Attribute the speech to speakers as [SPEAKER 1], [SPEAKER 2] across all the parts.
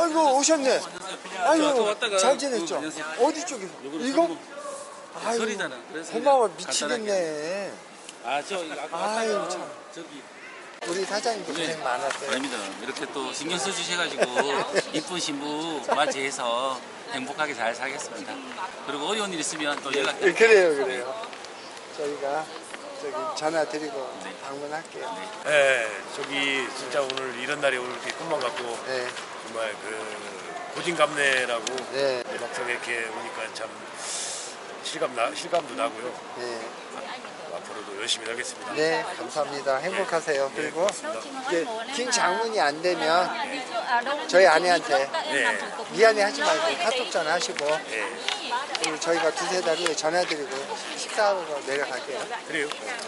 [SPEAKER 1] 아이고 오셨네. 아이고
[SPEAKER 2] 왔다가
[SPEAKER 1] 잘 지냈죠?
[SPEAKER 2] 안녕하세요.
[SPEAKER 1] 어디 쪽에서? 이거? 아이고
[SPEAKER 2] 소리잖아. 그래서
[SPEAKER 1] 고마워
[SPEAKER 2] 간단하게.
[SPEAKER 1] 미치겠네.
[SPEAKER 2] 저
[SPEAKER 1] 아유,
[SPEAKER 2] 왔다가
[SPEAKER 1] 참.
[SPEAKER 2] 저기
[SPEAKER 1] 우리 사장님도 고생 많았어요.
[SPEAKER 2] 아닙니다. 이렇게 또 신경 써주셔가지고 이쁜 신부 맞이해서 행복하게 잘 살겠습니다. 그리고 어려운 일 있으면 또 연락.
[SPEAKER 1] 그래요. 저희가 저기 전화 드리고
[SPEAKER 2] 네.
[SPEAKER 1] 방문할게요.
[SPEAKER 3] 네, 저기 진짜 오늘 이런 날이 오늘 이렇게 꿈만 같고
[SPEAKER 1] 네.
[SPEAKER 3] 정말 그 고진감래라고
[SPEAKER 1] 네.
[SPEAKER 3] 막상 이렇게 오니까 참 실감도 나고요.
[SPEAKER 1] 네.
[SPEAKER 3] 앞으로도 열심히 하겠습니다.
[SPEAKER 1] 네, 감사합니다. 행복하세요.
[SPEAKER 3] 네,
[SPEAKER 1] 그리고
[SPEAKER 3] 고맙습니다.
[SPEAKER 1] 이제 긴 장문이 안 되면 저희 아내한테
[SPEAKER 3] 네.
[SPEAKER 1] 미안해 하지 말고 카톡 전화하시고
[SPEAKER 3] 네,
[SPEAKER 1] 그리고 저희가 두세 달 후에 전화드리고 식사하러 내려갈게요.
[SPEAKER 3] 그래요.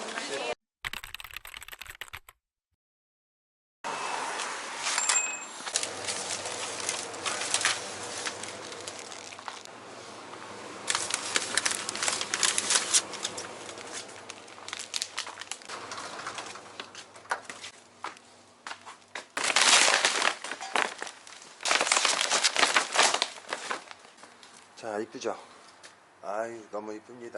[SPEAKER 1] 자, 이쁘죠? 아유, 너무 이쁩니다.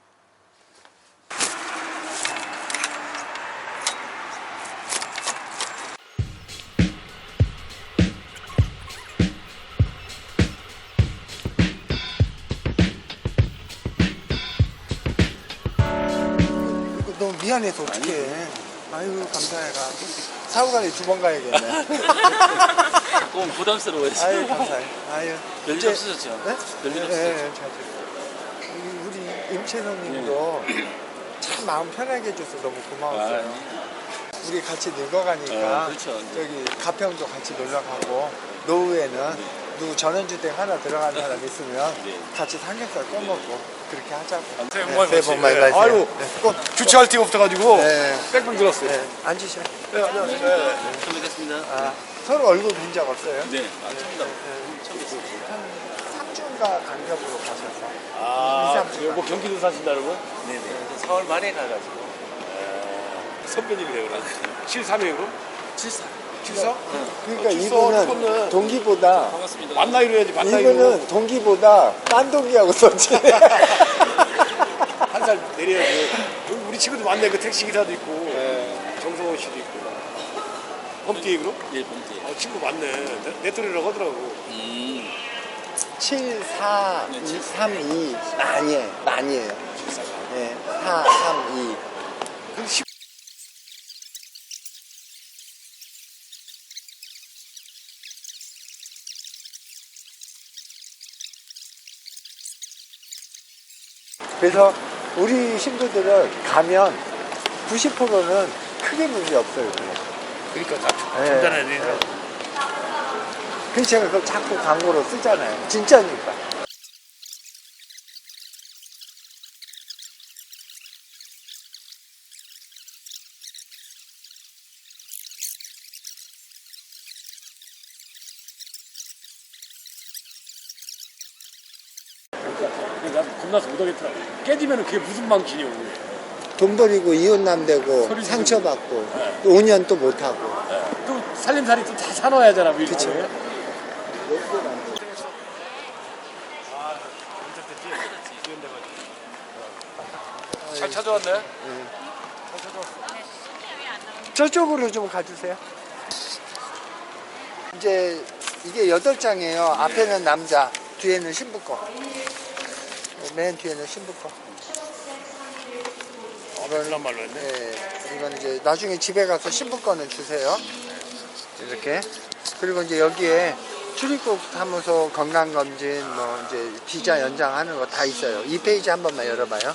[SPEAKER 1] 이거 너무 미안해서 어떡해. 아유, 감사해라. 사후간에 2번 가야겠네.
[SPEAKER 2] 조금 부담스러워요.
[SPEAKER 1] 아유, 감사해. 아유.
[SPEAKER 2] 별일
[SPEAKER 1] 이제-
[SPEAKER 2] 없으셨죠?
[SPEAKER 1] 네?
[SPEAKER 2] 별일
[SPEAKER 1] 네,
[SPEAKER 2] 없으셨죠?
[SPEAKER 1] 잘 됐어요. 우리 임채성님도 참 마음 편하게 해줘서 너무 고마웠어요. 우리 같이 늙어가니까
[SPEAKER 2] 그렇죠.
[SPEAKER 1] 저기 가평도 같이 놀러 가고 노후에는 누구 전원주택 하나 들어가는 사람 있으면
[SPEAKER 2] 네.
[SPEAKER 1] 같이 삼겹살 꺼먹고 그렇게 하자고.
[SPEAKER 3] 새해 복
[SPEAKER 1] 네,
[SPEAKER 3] 많이
[SPEAKER 1] 새해 복
[SPEAKER 3] 받으세요.
[SPEAKER 1] 많이
[SPEAKER 3] 네.
[SPEAKER 1] 받으세요.
[SPEAKER 3] 아유,
[SPEAKER 1] 네, 꼭
[SPEAKER 3] 주차할 데가 없어가지고
[SPEAKER 1] 네.
[SPEAKER 3] 뺑뺑 들었어요.
[SPEAKER 1] 네, 앉으셔요.
[SPEAKER 3] 네, 안녕하세요. 네.
[SPEAKER 2] 처음 뵙겠습니다.
[SPEAKER 1] 아, 서로 얼굴 본 적 없어요?
[SPEAKER 2] 네, 처음이다. 처음 뵙습니다.
[SPEAKER 1] 한 3주인가 간격으로 가셔서.
[SPEAKER 3] 아,
[SPEAKER 1] 2, 3주.
[SPEAKER 3] 뭐 경기도 사신다 그러고?
[SPEAKER 2] 네네. 4월 말에 가가지고.
[SPEAKER 3] 선배님이래요, 그럼. 73이에요, 그럼?
[SPEAKER 2] 74.
[SPEAKER 3] 74?
[SPEAKER 1] 그러니까
[SPEAKER 3] 출소
[SPEAKER 1] 이분은
[SPEAKER 3] 조금은
[SPEAKER 1] 동기보다
[SPEAKER 2] 반갑습니다.
[SPEAKER 3] 만 나이로 해야지, 만 나이로.
[SPEAKER 1] 이분은 동기보다 딴 동기하고 썼지.
[SPEAKER 3] 한 살 내려야지. 여기 우리 친구도 많네. 그 택시 기사도 있고, 정성원 씨도 있고. 홈띠에 그럼?
[SPEAKER 2] 예, 봉지.
[SPEAKER 3] 친구 많네. 내 또래라고 하더라고.
[SPEAKER 1] 7, 4, 2, 3, 2 많이에요. 네, 4, 3, 2.
[SPEAKER 3] 근데
[SPEAKER 1] 그래서 우리 신부들은 가면 90%는 크게 문제 없어요.
[SPEAKER 3] 그러니까 다
[SPEAKER 1] 네.
[SPEAKER 3] 간단하네.
[SPEAKER 1] 그래서 제가 그걸 자꾸 광고로 쓰잖아요. 진짜니까.
[SPEAKER 3] 난 겁나서 못하겠더라. 깨지면 그게 무슨 망치냐고.
[SPEAKER 1] 돈 버리고 이혼남 되고
[SPEAKER 3] 소리
[SPEAKER 1] 상처받고 또 5년 또 못하고.
[SPEAKER 3] 또 살림살이 또 다 사놔야 하잖아, 미리.
[SPEAKER 1] 그쵸.
[SPEAKER 3] 잘 찾아왔네.
[SPEAKER 1] 저쪽으로 좀 가주세요. 이제 이게 8장이에요. 앞에는 남자, 뒤에는 신부 거. 맨 뒤에는 신부 거.
[SPEAKER 3] 그런 말로 했네.
[SPEAKER 1] 네, 이건 이제 나중에 집에 가서 신부 거는 주세요. 이렇게. 그리고 이제 여기에 출입국 사무소 건강검진 뭐 이제 비자 연장하는 거 다 있어요. 이 페이지 한 번만 열어봐요.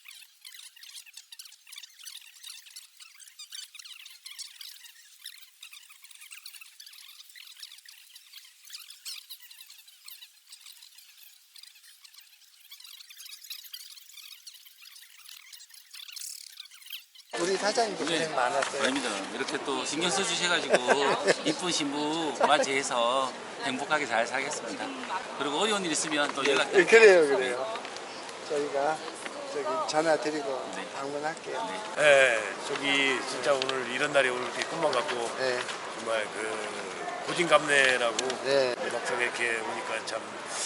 [SPEAKER 1] 우리 사장님도 고생 많았어요.
[SPEAKER 2] 아닙니다. 이렇게 또 신경 써주셔가지고 이쁜 신부 맞이해서 행복하게 잘 살겠습니다. 그리고 어려운 일 있으면 또 연락.
[SPEAKER 1] 그래요. 저희가 저기 전화 드리고
[SPEAKER 2] 네.
[SPEAKER 1] 방문할게요.
[SPEAKER 3] 네, 저기 진짜 오늘 이런 날이 오늘 이렇게 꿈만 같고
[SPEAKER 1] 네.
[SPEAKER 3] 정말 그 고진감래라고
[SPEAKER 1] 네.
[SPEAKER 3] 이렇게 오니까 참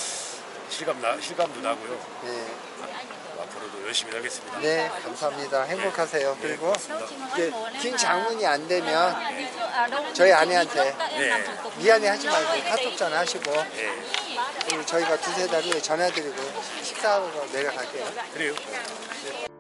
[SPEAKER 3] 실감도 나고요.
[SPEAKER 1] 네.
[SPEAKER 3] 앞으로도 열심히 하겠습니다.
[SPEAKER 1] 네, 감사합니다. 행복하세요. 그리고 이제 김 장문이 안 되면 저희 아내한테 미안해 하지 말고 카톡 전화하시고 그리고 저희가 두세 달 후에 전화드리고 식사하고 내려갈게요.
[SPEAKER 3] 그래요.